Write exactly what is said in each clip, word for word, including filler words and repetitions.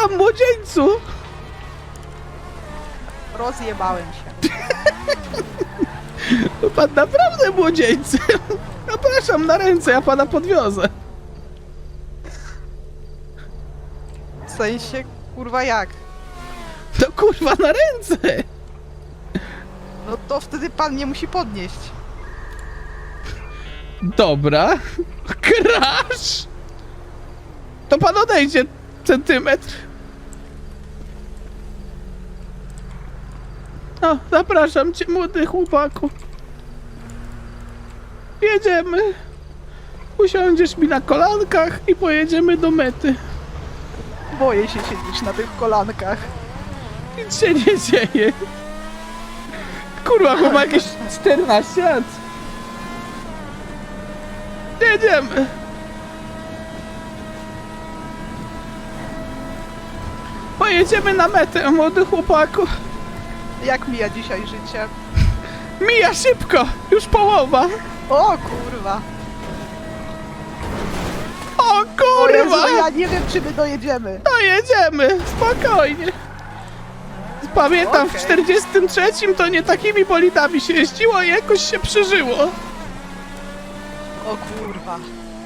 Zapraszam, młodzieńcu! Rozjebałem się. Pan naprawdę młodzieńcem. Zapraszam na ręce, ja pana podwiozę. W sensie, kurwa jak? No kurwa, na ręce! No to wtedy pan mnie musi podnieść. Dobra. Crash! To pan odejdzie centymetr. No, zapraszam cię, młody chłopaku. Jedziemy. Usiądziesz mi na kolankach i pojedziemy do mety. Boję się siedzieć na tych kolankach. Nic się nie dzieje. Kurwa, bo ma jakieś czternaście lat. Jedziemy. Pojedziemy na metę, młody chłopaku. Jak mija dzisiaj życie? Mija szybko, już połowa. O kurwa. O O Jezu, kurwa! ja nie wiem czy my dojedziemy. To jedziemy, spokojnie. Pamiętam, w Okej. czterdziestym trzecim to nie takimi bolidami się jeździło i jakoś się przeżyło. O kurwa.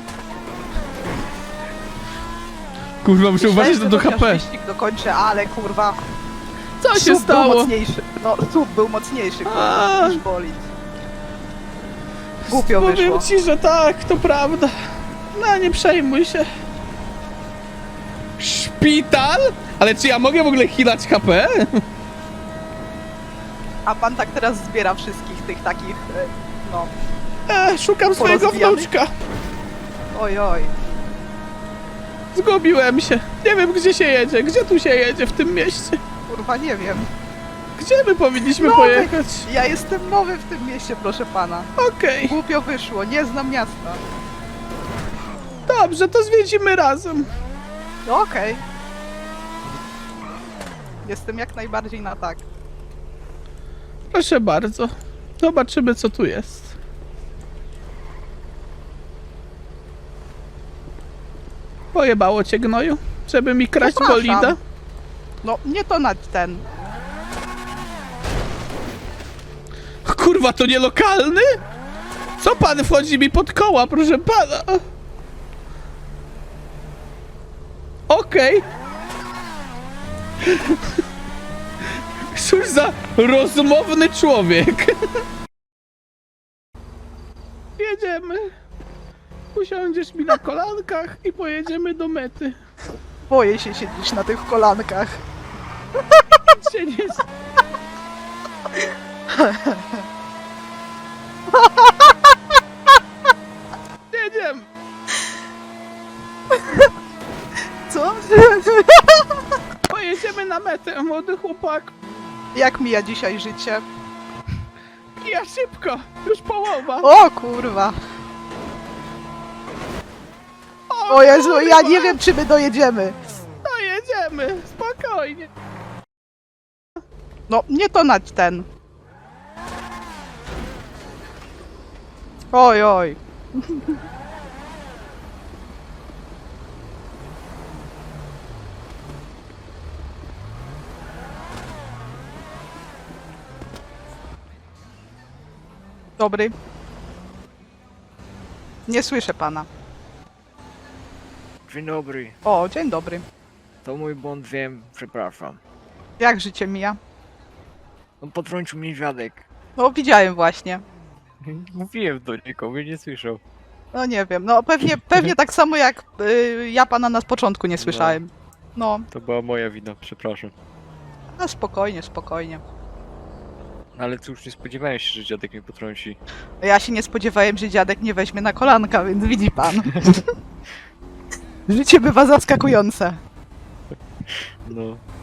Kurwa, muszę uważać Myślałem, do że chociaż H P. wyścig dokończę, ale kurwa. Co się Sub był stało? mocniejszy. No, sub był mocniejszy kurwa, A. niż bolid. Głupio Powiem wyszło. ci, że tak, to prawda. No, nie przejmuj się. Szpital? Ale czy ja mogę w ogóle healać H P? A pan tak teraz zbiera wszystkich tych takich, e, no. E, szukam swojego Porozbijanych? wnuczka. Oj, oj. Zgubiłem się. Nie wiem, gdzie się jedzie. Gdzie tu się jedzie w tym mieście? Kurwa, nie wiem. Gdzie my powinniśmy No, pojechać? Ja jestem nowy w tym mieście, proszę pana. Okej, Głupio wyszło, nie znam miasta. dobrze, to zwiedzimy razem. No okej. Jestem jak najbardziej na tak. Proszę bardzo. Zobaczymy, co tu jest. Pojebało cię, gnoju? Żeby mi kraść Zapraszam. bolida? No, nie to na ten. Kurwa, to nie lokalny? Co pan wchodzi mi pod koła, proszę pana? Okej. Cóż za rozmowny człowiek. Jedziemy. Usiądziesz mi na kolankach i pojedziemy do mety. Boję się siedzieć na tych kolankach. Nic się nie... Jedziemy. Co? Pojedziemy na metę, młody chłopak. Jak mija dzisiaj życie? Ja szybko, już połowa. O kurwa. O Jezu, ja nie wiem czy my dojedziemy. To jedziemy, spokojnie. No, nie to na ten. Oj, oj. Dobry. Nie słyszę pana. Dzień dobry. O, dzień dobry. To mój błąd, wiem, przepraszam. Jak życie mija? No potrącił mnie dziadek. No, widziałem właśnie. Mówiłem do niego, mnie nie słyszał. No nie wiem, no pewnie, pewnie tak samo jak y, ja pana na początku nie słyszałem. No, To była moja wina, przepraszam. no spokojnie, spokojnie. Ale cóż, nie spodziewałem się, że dziadek mnie potrąci. Ja się nie spodziewałem, że dziadek nie weźmie na kolanka, więc widzi pan. Życie bywa zaskakujące. No,